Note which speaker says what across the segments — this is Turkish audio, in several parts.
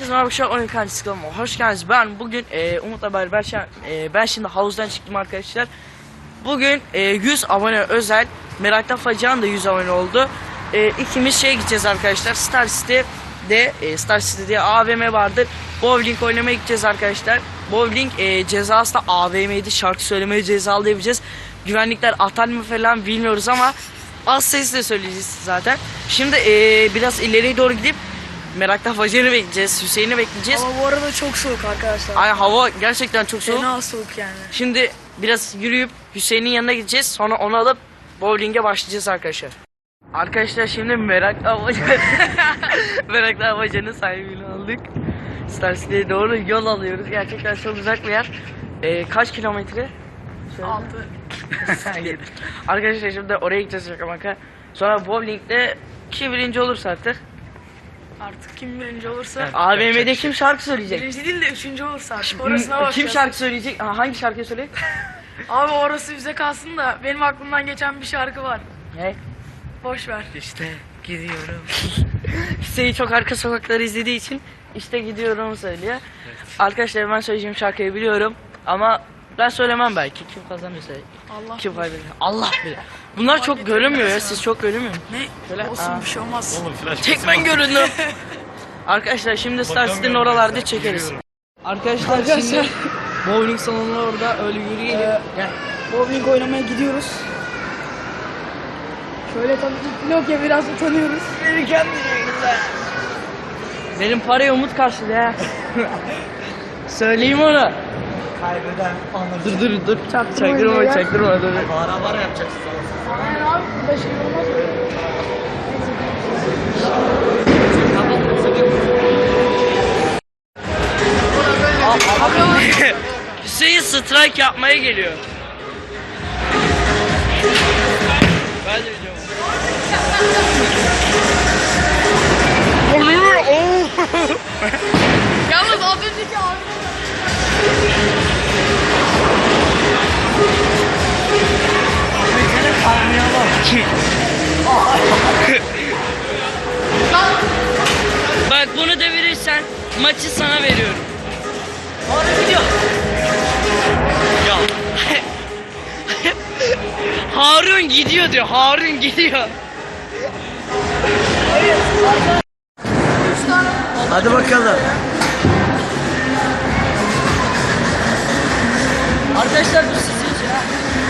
Speaker 1: Herkese merhaba, şu an oyun karşısı kanalıma hoş geldiniz. Ben bugün Umut Haber, ben şimdi havuzdan çıktım arkadaşlar. Bugün 100 abone özel, Meraktan Facia'nın da 100 abone oldu. İkimiz gideceğiz arkadaşlar, Star City diye AVM vardır. Bowling oynamaya gideceğiz arkadaşlar. Bowling cezası da AVM'ydi, şarkı söylemeye cezalı yapacağız. Güvenlikler atar mı falan bilmiyoruz ama az sesle söyleyeceğiz zaten. Şimdi biraz ileriye doğru gidip Meraktan Facia'nı bekleyeceğiz, Hüseyin'i bekleyeceğiz.
Speaker 2: Ama bu arada çok soğuk arkadaşlar.
Speaker 1: Ay, hava gerçekten çok soğuk.
Speaker 2: Fena soğuk yani.
Speaker 1: Şimdi biraz yürüyüp Hüseyin'in yanına gideceğiz. Sonra onu alıp bowling'e başlayacağız arkadaşlar. Arkadaşlar şimdi Meraktan Facia'nın sahibini aldık. Star City'ye doğru yol alıyoruz. Gerçekten çok uzak bir yer. Kaç kilometre?
Speaker 2: 6.
Speaker 1: Arkadaşlar şimdi oraya gideceğiz şaka maka. Sonra bowling'de kim birinci olursa artık.
Speaker 2: Artık kim birinci olursa.
Speaker 1: AVM'de kim şarkı söyleyecek?
Speaker 2: Birinci değil de üçüncü olursa artık. Orasına bakacağız.
Speaker 1: Kim şarkı söyleyecek? Hangi şarkıyı söyleyecek?
Speaker 2: Abi orası bize kalsın da benim aklımdan geçen bir şarkı var.
Speaker 1: Ne?
Speaker 2: Boş ver.
Speaker 1: İşte gidiyorum. Hüseyin çok arka sokakları izlediği için işte gidiyorum söylüyor. Evet. Arkadaşlar ben söyleyeceğim şarkıyı biliyorum ama ben söylemem belki. Kim kazanırsa.
Speaker 2: Allah
Speaker 1: kim kaybeder? Allah bilir. Bunlar çok görünmüyor ya. Siz çok görünmüyor musunuz?
Speaker 2: Ne?
Speaker 1: Şöyle,
Speaker 2: olsun bir şey olmaz.
Speaker 3: Oğlum flash
Speaker 1: tek ben göründüm. Arkadaşlar şimdi Star City'nin oralarda çekeriz. Arkadaşlar şimdi bowling salonu orada, öyle yürüyelim. Gel.
Speaker 2: Bowling oynamaya gidiyoruz. Şöyle tabii ki ya biraz utanıyoruz.
Speaker 1: Benim parayı Umut karşıladı ha. Söyleyeyim onu.
Speaker 3: Kaybeden anlatır.
Speaker 1: Dur. Çaktırma dur.
Speaker 3: Bağıra yapacaksın sana.
Speaker 2: Aynen abi. Burada şey olmaz mı?
Speaker 1: Hüseyin strike yapmaya geliyor. Ben de biliyorum.
Speaker 2: Yalnız az önceki abi.
Speaker 1: Bak bunu devirirsen maçı sana veriyorum. Harun gidiyor. Ya. Harun gidiyor diyor. Harun gidiyor.
Speaker 3: Hadi bakalım.
Speaker 1: Arkadaşlar bu sizin için ha.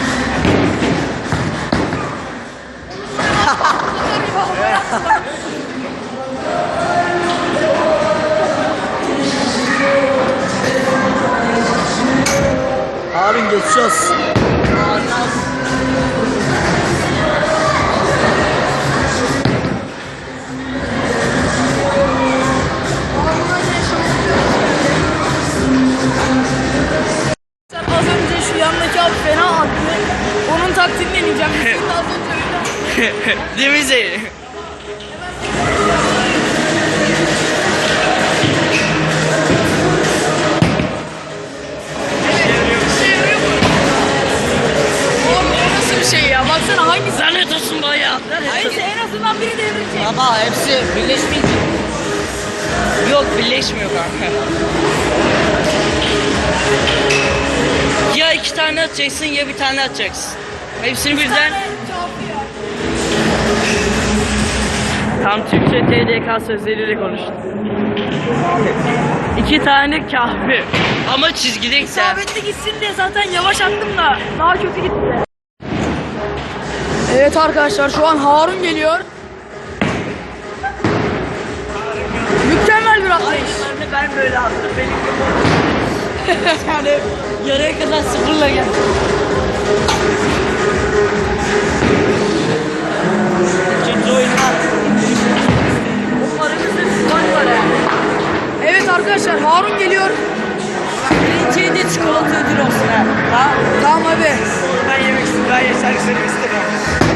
Speaker 3: Harun geçiyoruz.
Speaker 2: Az önce şu yandaki abi fena attı. Onun taktiğini deneyeceğim. Bizim de az önce öyle.
Speaker 1: Değil mi Zeyn?
Speaker 2: Oğlum o nasıl bir şey ya? Baksana hangisi?
Speaker 1: Lanet olsun bayağı.
Speaker 2: Neyse en azından biri devrilecek.
Speaker 1: Baba hepsi birleşmeyecek. Yok, birleşmiyor kanka. Ya iki tane atacaksın ya bir tane atacaksın. Hepsini birden. Tam Türkçe TDK sözleriyle konuştum. İki tane kahve. Ama çizgideyse.
Speaker 2: İsabetli gitsin diye zaten yavaş attım da daha kötü gitti. Evet arkadaşlar şu an Harun geliyor. Mükemmel bir atlayış.
Speaker 1: Ben böyle attım. Yani yarıya kadar sıfırla gel. İkinci oyunlar. O paramızda bir fark var yani.
Speaker 2: Evet arkadaşlar Harun geliyor.
Speaker 1: Birinciye de çikolata ödül olsun ha. Ha?
Speaker 2: Tamam abi.
Speaker 1: Ben yemek istedim. Ben şarkı söylemek istemiyorum.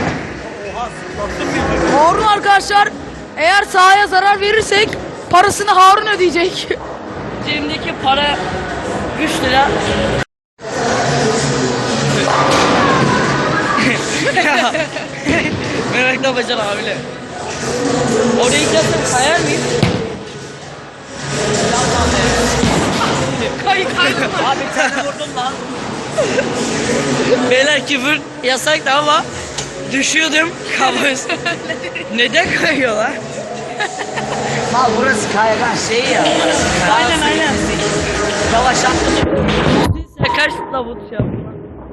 Speaker 2: Harun arkadaşlar eğer sahaya zarar verirsek parasını Harun ödeyecek.
Speaker 1: Cebimdeki para 3 lira. Merakla bacan abiyle. Oraya gidersem kayar mıyım?
Speaker 3: Abi sen vurdun lan.
Speaker 1: Beyler küfür yasaktı ama düşüyordum kafası. Neden kayıyorlar?
Speaker 3: Mal burası kaygan şey ya.
Speaker 1: Aynen aynen.
Speaker 3: Yavaş yaptın.
Speaker 1: Sen kaç futla bu şey yaptın?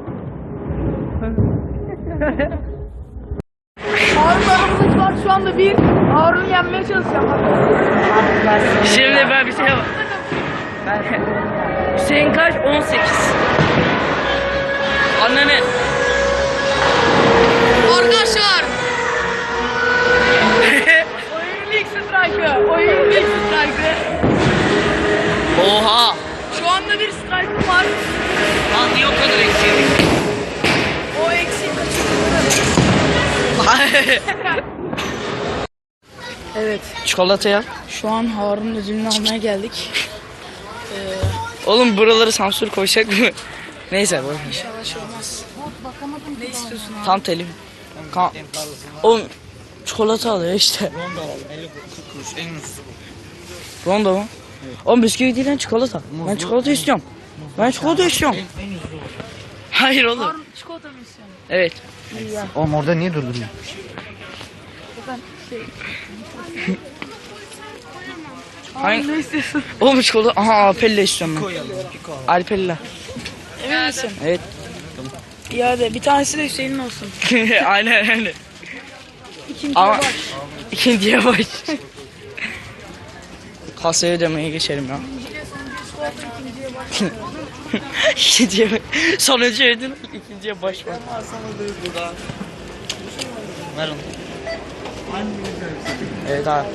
Speaker 2: Harun aramızda var şu anda bir. Harun'u yenmeye çalışacağım.
Speaker 1: Şimdi ben bir şey var. Hüseyin kaç? 18. Annenin.
Speaker 2: Arkadaşlar. Oyunun ilk strike'ı. Oyunun ilk strike'ı.
Speaker 1: Oha.
Speaker 2: Şu anda bir strike'ım var.
Speaker 1: Lan niye o kadar eksiği?
Speaker 2: O eksiği Evet.
Speaker 1: Çikolata ya.
Speaker 2: Şu an Harun'un ödülünü almaya geldik.
Speaker 1: Oğlum buraları sansür koyacak mı? Neyse boş ver.
Speaker 2: İnşallah şey olmaz. Ne istiyorsun abi?
Speaker 1: Tam telim. Oğlum çikolata alıyor işte.
Speaker 3: Ronda alalım. 50 kuruş en ucuz.
Speaker 1: Rondo mu? Oğlum bisküvi değil lan çikolata. Ben çikolata istiyorum. Ben çikolata istiyorum.
Speaker 3: En ucuz.
Speaker 1: Hayır oğlum.
Speaker 2: Harun çikolata mı istiyorsun?
Speaker 1: Evet.
Speaker 2: İyi ya.
Speaker 3: Oğlum orada niye durdun?
Speaker 2: Ben şey...
Speaker 1: Hangi-
Speaker 2: Harun ne istiyorsun?
Speaker 1: Oğlum çikolata. Aha Alpella istiyorum ben.
Speaker 3: Koyalım.
Speaker 1: Alpella.
Speaker 2: Emin misin?
Speaker 1: Evet.
Speaker 2: İyi hadi bir tanesi de Hüseyin'in olsun.
Speaker 1: aynen aynen.
Speaker 2: İkinciye
Speaker 1: Ama
Speaker 2: baş.
Speaker 1: ikinciye baş. Kasaya ödemeye geçelim ya. İkinciye baş. Sonuncu ödün. İkinciye baş var.
Speaker 3: Ver onu.
Speaker 1: Evet abi.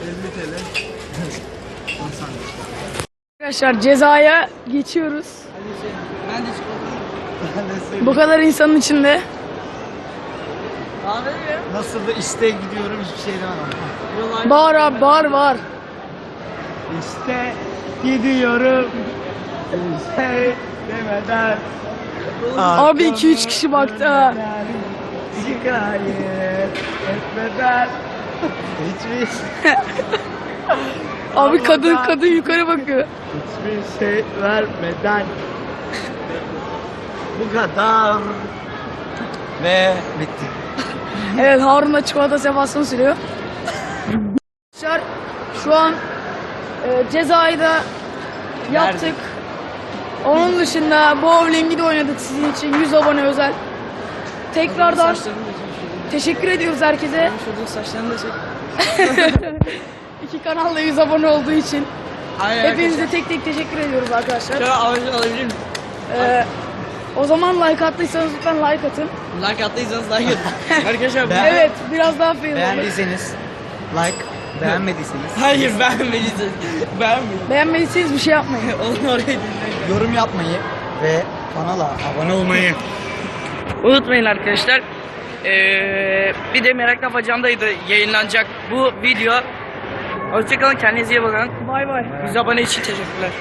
Speaker 2: Arkadaşlar cezaya geçiyoruz.
Speaker 3: Ben de çikolata.
Speaker 2: Bu kadar insanın içinde.
Speaker 3: Nasıl da işte gidiyorum hiçbir şey demem.
Speaker 2: Bağır abi bağır.
Speaker 3: İşte gidiyorum. Şey demeden.
Speaker 2: Abi 2-3 kişi baktı ha.
Speaker 3: Şikayet etmeden. Hiçbir
Speaker 2: Abi kadın yukarı bakıyor.
Speaker 3: hiçbir şey vermeden. Bu kadar. Ve bitti.
Speaker 2: Evet Harun da çikolata sefasını sürüyor. Arkadaşlar şu an cezayı da yaptık. Onun dışında bowling'i de oynadık sizin için 100 abone özel. Tekrardan teşekkür ediyoruz herkese.
Speaker 1: Saçlarını da çek.
Speaker 2: İki kanalla 100 abone olduğu için.
Speaker 1: Hayır.
Speaker 2: Hepinize tek tek teşekkür ediyoruz arkadaşlar.
Speaker 1: Şöyle alabilir miyim?
Speaker 2: O zaman like attıysanız lütfen like atın.
Speaker 1: Like attıysanız like atın. Arkadaşlar
Speaker 3: Ben-
Speaker 2: Evet biraz daha fazla.
Speaker 3: Beğendiyseniz like, beğenmediyseniz
Speaker 1: Hayır beğenmediniz. Beğenmedim.
Speaker 2: Beğenmediyseniz bir şey yapmayın.
Speaker 1: Onu oraya dinleyin.
Speaker 3: yorum yapmayı ve kanala abone olmayı.
Speaker 1: Unutmayın arkadaşlar. Bir de Merak Lafacanda'ydı yayınlanacak bu video. Hoşçakalın, kendinize iyi bakın.
Speaker 2: Bay bay.
Speaker 1: 100 abone için teşekkürler.